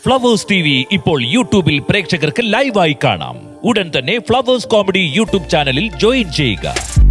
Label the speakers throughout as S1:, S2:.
S1: Flowers TV ഇപ്പോൾ യൂട്യൂബിൽ പ്രേക്ഷകർക്ക് ലൈവായി കാണാം. ഉടൻ തന്നെ ഫ്ലവേഴ്സ് കോമഡി യൂട്യൂബ് ചാനലിൽ ജോയിൻ ചെയ്യുക.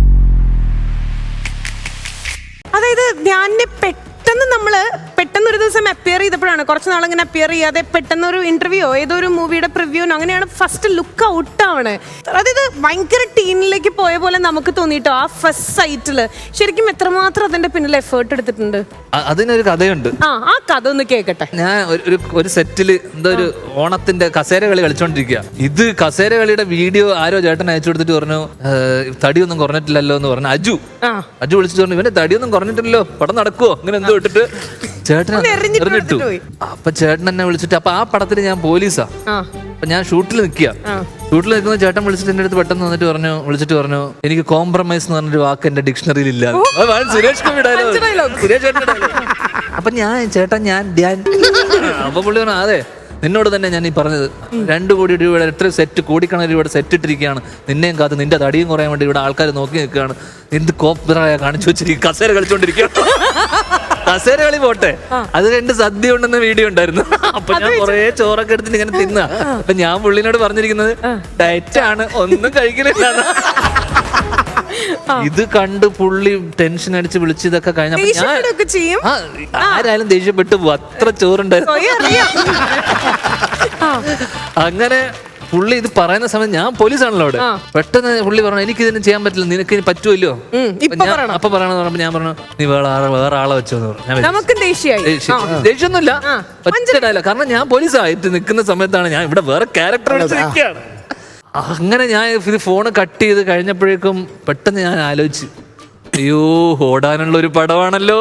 S2: അതായത് ധ്യാനിനെ പെട്ടെന്ന് ഒരു ദിവസം അപ്പിയർ ചെയ്തപ്പോഴാണ്, കുറച്ച് നാളിങ്ങനെ അപ്പിയർ ചെയ്യാതെ പെട്ടെന്ന് ഒരു ഇന്റർവ്യൂയോ ഏതോ ഒരു മൂവിയുടെ പ്രിവ്യൂനോ അങ്ങനെയാണ് ഫസ്റ്റ് ലുക്ക് ഔട്ട് ആണ്. അതായത് ഭയങ്കര ടീനിലേക്ക് പോയ പോലെ നമുക്ക് തോന്നിട്ടോ ആ ഫസ്റ്റ് സൈറ്റില്. ശരിക്കും എത്രമാത്രം അതിന്റെ പിന്നിൽ എഫേർട്ട് എടുത്തിട്ടുണ്ട്?
S3: അതിനൊരു കഥയുണ്ട്.
S2: ആ കഥ ഒന്ന് കേക്കട്ടെ.
S3: ഞാൻ ഒരു സെറ്റില് എന്തോ ഒരു ഓണത്തിന്റെ കസേര കളി കളിച്ചോണ്ടിരിക്കുക. ഇത് കസേര കളിയുടെ വീഡിയോ ആരോ ചേട്ടൻ അയച്ചു കൊടുത്തിട്ട് പറഞ്ഞു തടിയൊന്നും കുറഞ്ഞിട്ടില്ലല്ലോ എന്ന് പറഞ്ഞു. അജു വിളിച്ചിട്ട് പറഞ്ഞു ഇവന്റെ തടിയൊന്നും കുറഞ്ഞിട്ടില്ലല്ലോ, പടം നടക്കുവോ അങ്ങനെ എന്തോ ഇട്ടിട്ട് ചേട്ടൻ എറിഞ്ഞിട്ടു. അപ്പൊ ചേട്ടൻ എന്നെ വിളിച്ചിട്ട്, അപ്പൊ ആ പടത്തിന് ഞാൻ പോലീസാ. അപ്പൊ ഞാൻ ഷൂട്ടിൽ നിൽക്കുന്ന ചേട്ടൻ വിളിച്ചിട്ട് എന്റെ അടുത്ത് പെട്ടെന്ന് വിളിച്ചിട്ട് പറഞ്ഞു എനിക്ക് കോംപ്രമൈസ് എന്ന് പറഞ്ഞൊരു വാക്ക് എന്റെ ഡിക്ഷണറിയിൽ ഇല്ല. സുരേഷ് അപ്പൊ ഞാൻ അപ്പൊ പുള്ളി പറഞ്ഞു അതെ നിന്നോട് തന്നെ ഞാൻ ഈ പറഞ്ഞത് 2 കോടി രൂപയുടെ എത്ര സെറ്റ്, കോടിക്കണക്കിന് രൂപയുടെ സെറ്റ് ഇട്ടിരിക്കുകയാണ്, നിന്നെയും കാത്ത് നിന്റെ തടിയും കുറയാൻ വേണ്ടി ഇവിടെ ആൾക്കാർ നോക്കി നിൽക്കുകയാണ്, എന്ത് കോപ്പറായ കാണിച്ചു വെച്ചിരിക്കും, കസേര കളിച്ചോണ്ടിരിക്കുകയാണ്. കസേര കളി പോട്ടെ, അത് കണ്ട് സദ്യ ഉണ്ടെന്ന വീഡിയോ ഉണ്ടായിരുന്നു. അപ്പൊ ഞാൻ കുറെ ചോറൊക്കെ എടുത്തിട്ട് ഇങ്ങനെ തിന്ന. അപ്പൊ ഞാൻ പുള്ളിനോട് പറഞ്ഞിരിക്കുന്നത് ഡയറ്റാണ്, ഒന്നും കഴിക്കുന്നില്ല. ഇത് കണ്ട് പുള്ളി ടെൻഷൻ അടിച്ച് വിളിച്ച് ഇതൊക്കെ കഴിഞ്ഞപ്പോ ഞാൻ ആരായാലും ദേഷ്യപ്പെട്ടു പോകും, അത്ര ചോറുണ്ടായിരുന്നു. അങ്ങനെ പുള്ളി ഇത് പറയുന്ന സമയത്ത് ഞാൻ പോലീസാണല്ലോ അവിടെ. പെട്ടെന്ന് പുള്ളി പറഞ്ഞു എനിക്ക് ഇതിന് ചെയ്യാൻ പറ്റില്ല, നിനക്ക് ഇനി പറ്റുമല്ലോ അപ്പൊ പറയണെന്ന് പറഞ്ഞപ്പോ ഞാൻ പറഞ്ഞു നീ വേറെ ആളെ വെച്ചോന്ന് പറഞ്ഞു. ദേഷ്യമൊന്നുമില്ല, ഒറ്റ കാരണം ഞാൻ പോലീസായിട്ട് നിൽക്കുന്ന സമയത്താണ് ഞാൻ ഇവിടെ വേറെ ക്യാരക്ടർ വെച്ചിരിക്കുകയാണ്. അങ്ങനെ ഞാൻ ഇത് ഫോണ് കട്ട് ചെയ്ത് കഴിഞ്ഞപ്പോഴേക്കും പെട്ടെന്ന് ഞാൻ ആലോചിച്ചു, അയ്യോ ഓടാനുള്ള ഒരു പടമാണല്ലോ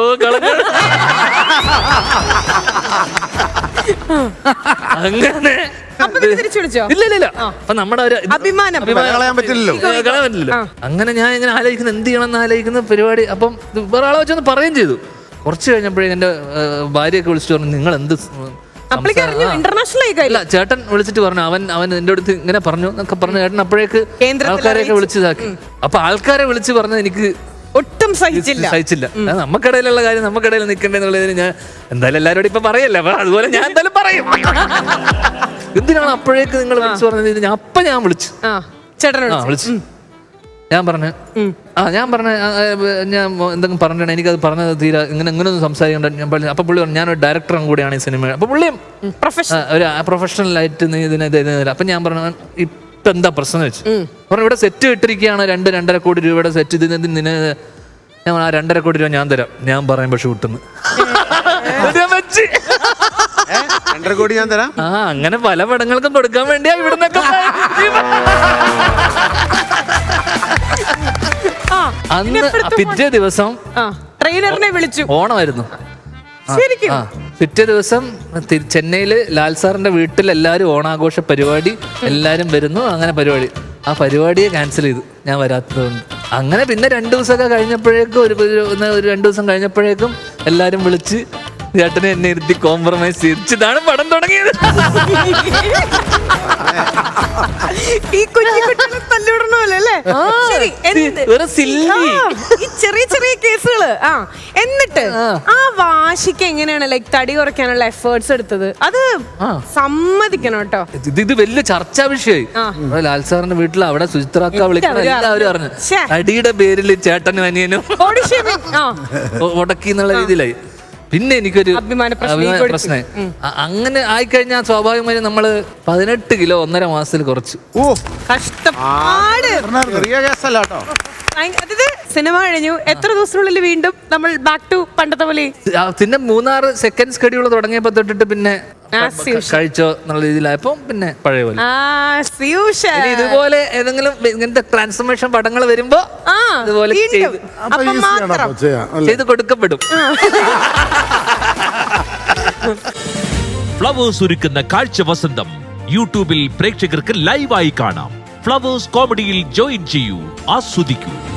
S3: അങ്ങനെ ഇല്ല അപ്പൊ നമ്മുടെ ഒരു അഭിമാനം കളയാൻ പറ്റില്ലല്ലോ. അങ്ങനെ ഞാൻ ഇങ്ങനെ ആലോചിക്കുന്നത് എന്ത് ചെയ്യണം എന്ന് ആലോചിക്കുന്ന പരിപാടി. അപ്പം വേറെ ആളെ വെച്ചൊന്ന് പറയുകയും ചെയ്തു. കുറച്ച് കഴിഞ്ഞപ്പോഴേക്കും എന്റെ ഭാര്യയൊക്കെ വിളിച്ചിട്ട് പറഞ്ഞു നിങ്ങൾ എന്ത്
S2: ഇല്ല.
S3: ചേട്ടൻ വിളിച്ചിട്ട് പറഞ്ഞു അവൻ എന്റെ അടുത്ത് ഇങ്ങനെ പറഞ്ഞു എന്നൊക്കെ പറഞ്ഞു. ചേട്ടൻ അപ്പോഴേക്ക് ആൾക്കാരെയൊക്കെ വിളിച്ചതാക്കി. അപ്പൊ ആൾക്കാരെ വിളിച്ച് പറഞ്ഞത് എനിക്ക്
S2: ഒട്ടും സഹിച്ചില്ല.
S3: നമുക്കിടയിലുള്ള കാര്യം നമുക്കിടയിൽ നിൽക്കണ്ടെന്നുള്ളതിന് ഞാൻ എന്തായാലും എല്ലാവരോടും ഇപ്പൊ പറയല്ല, അതുപോലെ ഞാൻ എന്തായാലും പറയും. എന്തിനാണ് അപ്പോഴേക്ക് നിങ്ങൾ വിളിച്ചു പറഞ്ഞത്? ഞാൻ വിളിച്ചു വിളിച്ചു ഞാൻ പറഞ്ഞു ഞാൻ എന്തെങ്കിലും പറഞ്ഞാണ് എനിക്കത് പറഞ്ഞത് തീരാ ഇങ്ങനെയൊന്നും സംസാരിക്കണ്ട. അപ്പൊ പുള്ളി പറഞ്ഞു ഞാനൊരു ഡയറക്ടറും കൂടിയാണ് ഈ സിനിമ. അപ്പൊ പുള്ളിയും ഒരു പ്രൊഫഷണലായിട്ട് അപ്പൊ ഞാൻ പറഞ്ഞു ഇപ്പൊ എന്താ പ്രശ്നം വെച്ചു പറഞ്ഞു ഇവിടെ സെറ്റ് ഇട്ടിരിക്കുകയാണ് 2-2.5 കോടി രൂപയുടെ സെറ്റ്. ഇതിന് ഞാൻ ആ 2.5 കോടി രൂപ ഞാൻ തരാം, ഞാൻ പറയുമ്പോ ഷൂട്ടിന്ന്
S4: കോടി ഞാൻ തരാം.
S3: അങ്ങനെ പല പടങ്ങൾക്കും കൊടുക്കാൻ വേണ്ടിയാ ഇവിടുന്നൊക്കെ. അന്ന് പിറ്റേ ദിവസം
S2: ട്രെയിനറിനെ വിളിച്ചു.
S3: ഓണമായിരുന്നു. പിറ്റേ ദിവസം ചെന്നൈയില് ലാൽ സാറിന്റെ വീട്ടിൽ എല്ലാരും ഓണാഘോഷ പരിപാടി, എല്ലാരും വരുന്നു. അങ്ങനെ ആ പരിപാടിയെ ക്യാൻസൽ ചെയ്തു ഞാൻ വരാത്തതുകൊണ്ട്. അങ്ങനെ പിന്നെ 2 ദിവസമൊക്കെ കഴിഞ്ഞപ്പോഴേക്കും ഒരു 2 ദിവസം കഴിഞ്ഞപ്പോഴേക്കും എല്ലാരും വിളിച്ച് ചേട്ടനെ എന്നെ ഇരുത്തി കോംപ്രമൈസ് ചെയ്തിട്ടാണ് പടം തുടങ്ങിയത്.
S2: ഈ ചെറിയ കേസുകള്. എന്നിട്ട് ആ വാശിക്ക് എങ്ങനെയാണ് തടി കുറയ്ക്കാനുള്ള എഫേർട്സ് എടുത്തത്? അത് സമ്മതിക്കണം കേട്ടോ.
S3: ഇത് വലിയ ചർച്ചാ വിഷയമായി. ലാൽ സാറിന്റെ വീട്ടിൽ അവിടെ സുചിത്രാക്ക വിളിക്കുന്ന എല്ലാവരും അറിഞ്ഞു. തടിയുടെ പേരിൽ ചേട്ടനും അനിയനും ഉടക്കി എന്നുള്ള രീതിയിലായി. പിന്നെ എനിക്കൊരു പ്രശ്നമായി. അങ്ങനെ ആയിക്കഴിഞ്ഞാൽ സ്വാഭാവികമായും നമ്മള് 18 കിലോ 1.5 മാസത്തിൽ കുറച്ചു.
S2: കഷ്ടപ്പാട്. സിനിമ കഴിഞ്ഞു എത്ര ദിവസത്തിനുള്ളിൽ വീണ്ടും നമ്മൾ ബാക്ക് ടു പണ്ടത്തെ പോലെ?
S3: പിന്നെ 3-6 സെക്കൻഡ് സ്കെഡ്യൂൾ തുടങ്ങിയപ്പോ തൊട്ടിട്ട് പിന്നെ കഴിച്ചോ എന്നുള്ള രീതിയിലായപ്പോ പിന്നെ പഴയ പോലെ. ഇതുപോലെ ഏതെങ്കിലും ഇങ്ങനത്തെ ട്രാൻസ്ഫോർമേഷൻ പടങ്ങൾ വരുമ്പോ അതുപോലെ ചെയ്ത് കൊടുക്കപ്പെടും.
S1: ഫ്ലവേഴ്സ് ഒരുക്കുന്ന കാഴ്ച വസന്തം യൂട്യൂബിൽ പ്രേക്ഷകർക്ക് ലൈവായി കാണാം. ഫ്ലവേഴ്സ് കോമഡിയിൽ ജോയിൻ ചെയ്യൂ, ആസ്വദിക്കൂ.